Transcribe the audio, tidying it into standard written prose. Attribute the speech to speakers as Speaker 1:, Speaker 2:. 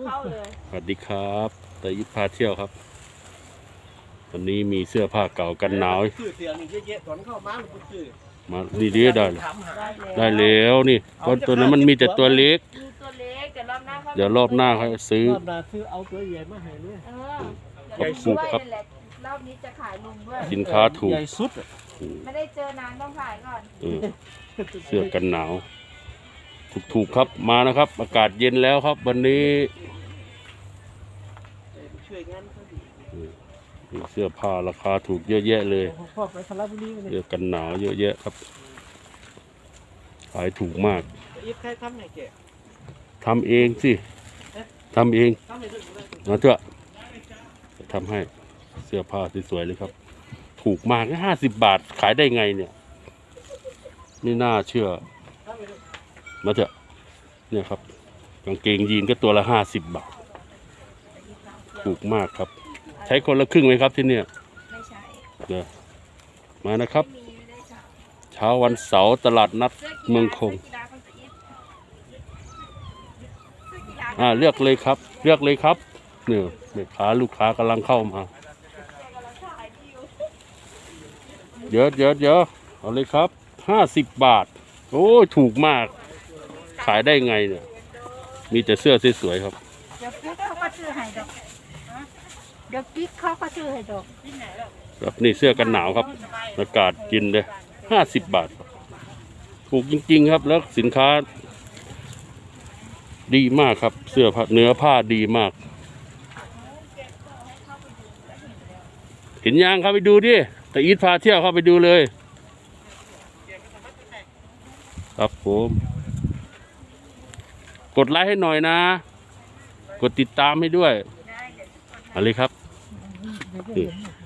Speaker 1: เข้าเลย
Speaker 2: สวัสดีครับตะยิปพาเที่ยวครับวันนี้มีเสื้อผ้าเก่ากันหนาว
Speaker 3: ซื้อเสียนี่เยอะๆตอนเข้ามามันก็ซื้อ
Speaker 2: มาดีๆได้เลย
Speaker 1: ได้แล้ว
Speaker 2: ได้แล้วนี่เพราะตัวนั้นมันมีแต่ตัวเล็ก
Speaker 1: มีตัวเล็กแต่รอบหน้าเขา
Speaker 2: เดี๋ยวรอบหน้าเขาซื้อ
Speaker 3: รอบหน้าซื้อเอาตัวใหญ่มาให้เลย
Speaker 1: เดี๋ยว
Speaker 2: ใหญ่สุดครับ
Speaker 1: นั่นแหละรอบนี้จะขายลุงด้วย
Speaker 2: สินค้าถูก
Speaker 3: ใหญ่สุดอะ
Speaker 1: ไม่ได้เจอนานต้องขายก่อน
Speaker 2: เออเสื้อกันหนาว ถูกๆครับมานะครับ อากาศเย็นแล้วครับ วันนี้
Speaker 3: ช่วยงานเขาดี
Speaker 2: มีเสื้อผ้าราคาถูกเยอะแยะเลย
Speaker 3: พ่อไปสระบุรีมาเนี่
Speaker 2: เสื้
Speaker 3: ย
Speaker 2: อกันหนาวเยอะแยะครับขายถูกมาก
Speaker 3: อีฟใครทำให้แก
Speaker 2: ทำเองสิทำเอง
Speaker 3: ทำให้ด้วยเลย
Speaker 2: มาเถอะจะทำให้เสื้อผ้าสวยๆเลยครับ ถูกมาก50 บาทขายได้ไงเนี่ยไม่น่าเชื่อ
Speaker 3: ทำให้ด้วย
Speaker 2: มาเถอะเนี่ยครับกางเกงยีนก็ตัวละ50 บาทถูกมากครับ ใช้คนละครึ่งไหมครับที่เนี่ย
Speaker 1: ไม่ใช่
Speaker 2: เดี๋ยวมานะครับ
Speaker 1: ไม่มีไม่ได้สั่ง
Speaker 2: เช้าวันเสาร์ตลาดนัด
Speaker 1: เสื้อกีฬา
Speaker 2: เมืองคง
Speaker 1: เสื้อกีฬาของจะอีฟเสื้อกีฬา
Speaker 2: เลือกเลยครับ เลือกเลยครับเนี่ยแม่ค้าลูกค้ากำลังเข้ามา
Speaker 1: กำลังขายดีอยู่
Speaker 2: เดี๋ยวเอาเลยครับ50 บาท โอ้ยถูกมาก ขายได้ไงเนี่ย มีแต่เสื้อสวยๆครับ
Speaker 1: เดี๋ยวกิ๊กเขาก็ซื้อให้ดอกเดี๋ยวกิ๊กเขาก็ซื้อให้ดอกที่ไหนหรอก
Speaker 2: ครับนี่เสื้อกันหนาวครับ อากาศกินเลย50 บาท ถูกจริงๆครับ แล้วสินค้า ดีมากครับ เสื้อผ้าเนื้อผ้าดีมาก เห็นยังครับไปดูดิแต่อีทพาเที่ยวเข้าไปดูเลย ครับผม กดไลค์ให้หน่อยนะ กดติดตามให้ด้วย
Speaker 1: ได้เดี๋ยว
Speaker 2: เอะไรครับนี่